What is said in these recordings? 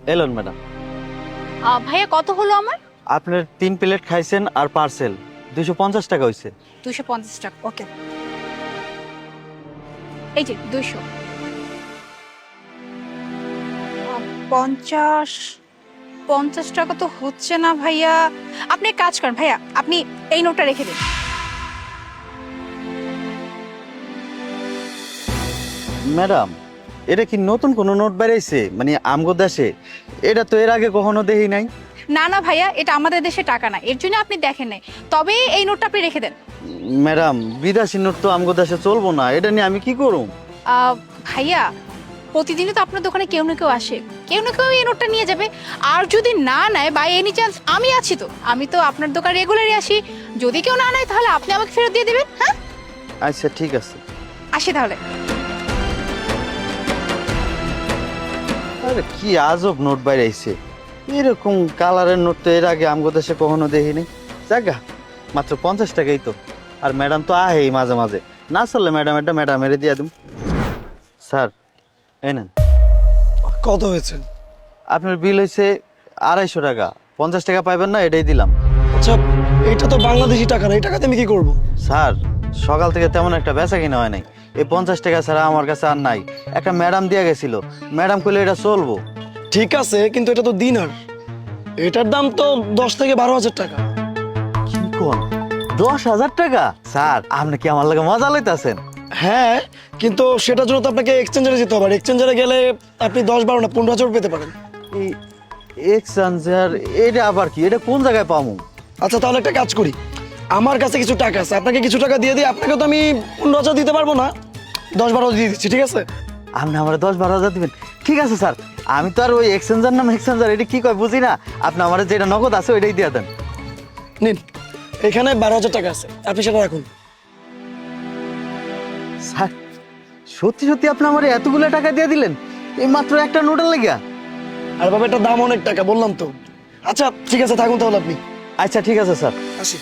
এলেন ম্যাডাম। ভাইয়া কত হলো আমার? আপনার 3 প্লেট খাইছেন আর পার্সেল 250 টাকা হয়েছে। 250 টাকা, ওকে। এই যে 200। 50 টাকা তো হচ্ছে না ভাইয়া। আপনি এক কাজ করেন ভাইয়া, আপনি এই নোটটা রেখে দিন। ম্যাডাম, এটা কি নতুন কোনো নোট বেরিয়েছে মানে আমগো দেশে? এটা তো এর আগে কখনো দেখি নাই। না না ভাইয়া, এটা আমাদের দেশে টাকা না, এর জন্য আপনি দেখেন নাই। তবে এই নোটটা আপনি রেখে দেন। ম্যাডাম, বিদেশি নোট তো আমগো দেশে চলবো না, এটা নিয়ে আমি কি করব? ভাইয়া, প্রতিদিনই তো আপনার দোকানে কেউ না কেউ আসে, কেউ না কেউ এই নোটটা নিয়ে যাবে। আর যদি না নেয় বাই এনি চান্স, আমি আছি তো, আমি তো আপনার দোকানে রেগুলারই আসি। যদি কেউ না নেয় তাহলে আপনি আমাকে ফেরত দিয়ে দেবেন। হ্যাঁ, আচ্ছা ঠিক আছে। আসি তাহলে। আরে কি আজব নোট বেরিয়েছে, এরকম কালারের নোট তো এর আগে আমগো দেশে কখনো দেখিনি। জায়গা মাত্র 50 টাকাই তো। আর ম্যাডাম তো আহেই মাঝে মাঝে, না চললে ম্যাডাম এটা ম্যাডামের দিয়ে দিম। স্যার এই নেন। কত হয়েছে? আপনার বিল হয়েছে 250 টাকা। 50 টাকা পাইবেন না, এটাই দিলাম। আচ্ছা, এটা তো বাংলাদেশি টাকা না, এই টাকাতে আমি কি করব? স্যার, সকাল থেকে তেমন একটা বেচা কিনা হয় নাই, এই 50 টাকা ছাড়া আমার কাছে আর নাই। একটা ম্যাডাম দিয়ে গেছিল, ম্যাডাম কইলে এটা চলবো। ঠিক আছে, কিন্তু এটা তো দিনার, এটার দাম তো 10 থেকে 12 হাজার টাকা। কি কোন? 10,000 টাকা? স্যার, আপনি কি আমার লাগে মজা লইতাছেন? হ্যাঁ, কিন্তু সেটার জন্য তো আপনাকে এক্সচেঞ্জারে যেতে হবে, আর এক্সচেঞ্জারে গেলে আপনি 10-12 না 15 হাজার পেতে পারেন। এই এক্সচেঞ্জার, এটা আবার কি? এটা কোন জায়গায় পাবো? আচ্ছা, তাহলে একটা কাজ করি, আমার কাছে কিছু টাকা আছে, আপনাকে কিছু টাকা দিয়ে দিই। আপনাকে তো আমি 15 হাজার দিতে পারবো না, 10-12 দিয়ে দিচ্ছি, ঠিক আছে? আপনি আমার 10-12 হাজার দিবেন? ঠিক আছে স্যার, আমি তো আর ওই এক্সচেঞ্জার নাম এক্সচেঞ্জার এটা কি কয় বুঝি না। আপনি আমার যেটা নগদ আছে ওইটাই দিয়ে দেন। নিন, এখানে 12 হাজার টাকা আছে, আপনি সেটা রাখুন। স্যার, সত্যি সত্যি আপনি আমার এতগুলো টাকা দিয়ে দিলেন এই মাত্র একটা নোটের লেগিয়া? আর বাবা, এটার দাম অনেক টাকা, বললাম তো। আচ্ছা ঠিক আছে, থাকুন তাহলে আপনি। আচ্ছা ঠিক আছে স্যার। আসি।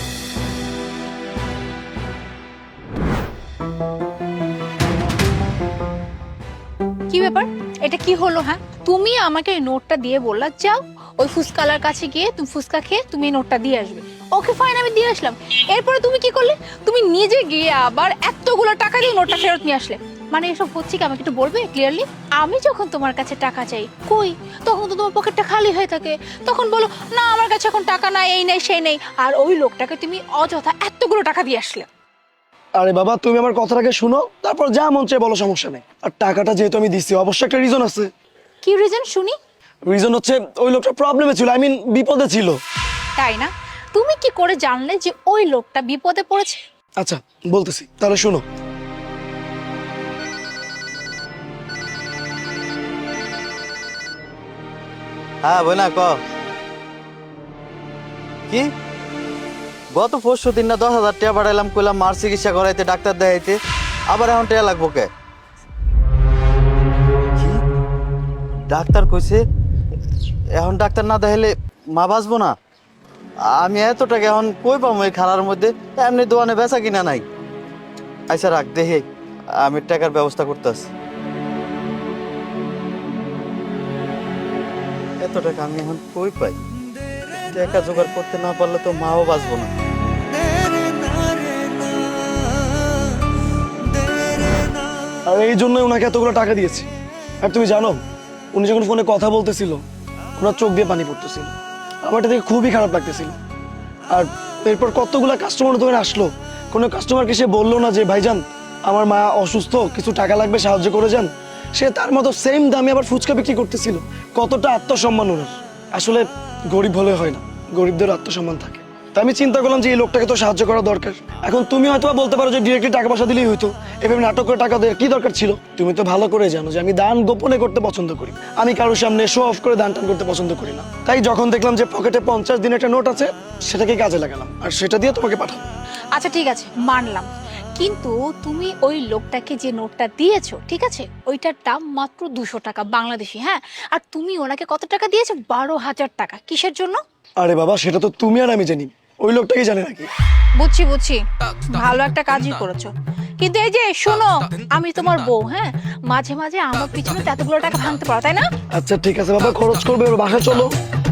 কি ব্যাপার, এটা কি হলো? হ্যাঁ, তুমি আমাকে এই নোটটা দিয়ে বললা যাও ওই ফুচকালার কাছে গিয়ে তুমি ফুচকা খেয়ে তুমি এই নোটটা দিয়ে আসবে। ওকে ফাইন, আমি দিয়ে আসলাম। এরপরে তুমি কি করলে? তুমি নিজে গিয়ে আবার এতগুলো টাকা দিয়ে নোটটা ফেরত নিয়ে আসলে। মানে এসব হচ্ছে কি, আমাকে একটু বলবে ক্লিয়ারলি? আমি যখন তোমার কাছে টাকা চাই, কই তখন তো তোমার পকেটটা খালি হয়ে থাকে। তখন বলো না আমার কাছে এখন টাকা নাই, এই নেই সেই নেই। আর ওই লোকটাকে তুমি অযথা এতগুলো টাকা দিয়ে আসলে। আরে বাবা, তুমি আমার কথাটাকে শুনো, তারপর যা মন চায় বলো, সমস্যা নেই। আর টাকাটা যেহেতু আমি দিচ্ছি, অবশ্যই একটা রিজন আছে। কি রিজন শুনি? রিজন হচ্ছে ওই লোকটা প্রবলেমে ছিল, আই মিন বিপদে ছিল। তাই না? তুমি কি করে জানলে যে ওই লোকটা বিপদে পড়েছে? আচ্ছা বলতেছি, তাহলে শুনো। হ্যাঁ বইনা ক। কি গত 5 দিন না 10,000 টাকা পাঠাইলাম, কইলাম মার চিকিৎসা করাইতে, ডাক্তার দেখাইতে, আবার এখন টাকা লাগবো কে? কি ডাক্তার কইছে এখন ডাক্তার না দেখাইলে মা বাঁচবো না? আমি এত টাকা এখন কই পাবো এই খালার মধ্যে? এমনি দোকানে বেচা কিনা নাই। আচ্ছা রাখ, দেখে আমি টাকার ব্যবস্থা করতেছি। এত টাকা আমি এখন কই পাই? টাকা জোগাড় করতে না পারলে তো মাও বাঁচবো না। আর এই জন্যই ওনাকে এতগুলো টাকা দিয়েছি। আর তুমি জানো, উনি যখন ফোনে কথা বলতেছিল ওনার চোখ দিয়ে পানি পড়তেছিল, আমার এটা দেখে খুবই খারাপ লাগতেছিল। আর এরপর কতগুলা কাস্টমার দোকানে আসলো, কোনো কাস্টমারকে সে বললো না যে ভাইজান আমার মা অসুস্থ, কিছু টাকা লাগবে, সাহায্য করে যান। সে তার মতো সেম দামে আবার ফুচকা বিক্রি করতেছিল। কতটা আত্মসম্মান ওনার! আসলে গরিব হলে হয় না, গরিবদের আত্মসম্মান থাকে। তা আমি চিন্তা করলাম যে এই লোকটাকে তো সাহায্য করা দরকার। এখন তুমি হয়তো বলতে পারো যে ডিরেক্টলি টাকা পয়সা দিলেই হইতো, এভাবে নাটক করে টাকা দেওয়ার কি দরকার ছিল? তুমি তো ভালো করে জানো যে আমি দান গোপনে করতে পছন্দ করি, আমি কারোর সামনে শো অফ করে দান টান করতে পছন্দ করি না। তাই যখন দেখলাম যে পকেটে 50 দিনের একটা নোট আছে, সেটাকে কাজে লাগালাম আর সেটা দিয়ে তোমাকে পাঠাবো। আচ্ছা ঠিক আছে, মানলাম। কিন্তু তুমি ওই লোকটাকে যে নোটটা দিয়েছো, ঠিক আছে, ওইটার দাম মাত্র 200 টাকা বাংলাদেশি। হ্যাঁ, আর তুমি ওনাকে কত টাকা দিয়েছো? 12,000 টাকা। কিসের জন্য? আরে বাবা, সেটা তো তুমি আর আমি জানি, ওই লোকটাকে জানে নাকি? বুঝছি বুঝছি, ভালো একটা কাজই করেছো। কিন্তু এই যে শোনো, আমি তোমার বউ, হ্যাঁ, মাঝে মাঝে আমার পিছনে তো এতগুলো টাকা ভাঙতে পারো, তাই না? আচ্ছা ঠিক আছে বাবা, খরচ করবে, এবার বাসা চলো।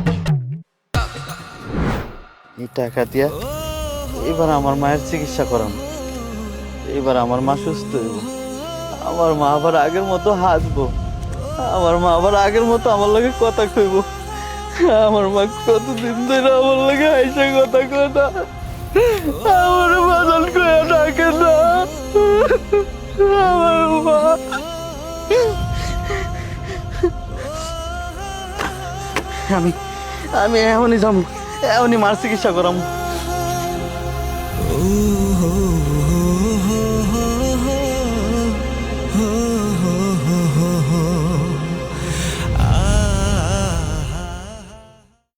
এই টাকা দিয়া এবার আমার মায়ের চিকিৎসা করাম, এবার আমার মা সুস্থ হইব, আমার মা আবার আগের মতো হাসবো, আমার মা আবার আগের মতো আমার লগে কথা কইব। আমার মা কতদিন ধরে আমার লগে হাইসে কথা কয় না, আমার বাদল কয়ে ডাকে না, আমার মা। আমি আমি এখনই যাবো, এখনই মার চিকিৎসা করাম।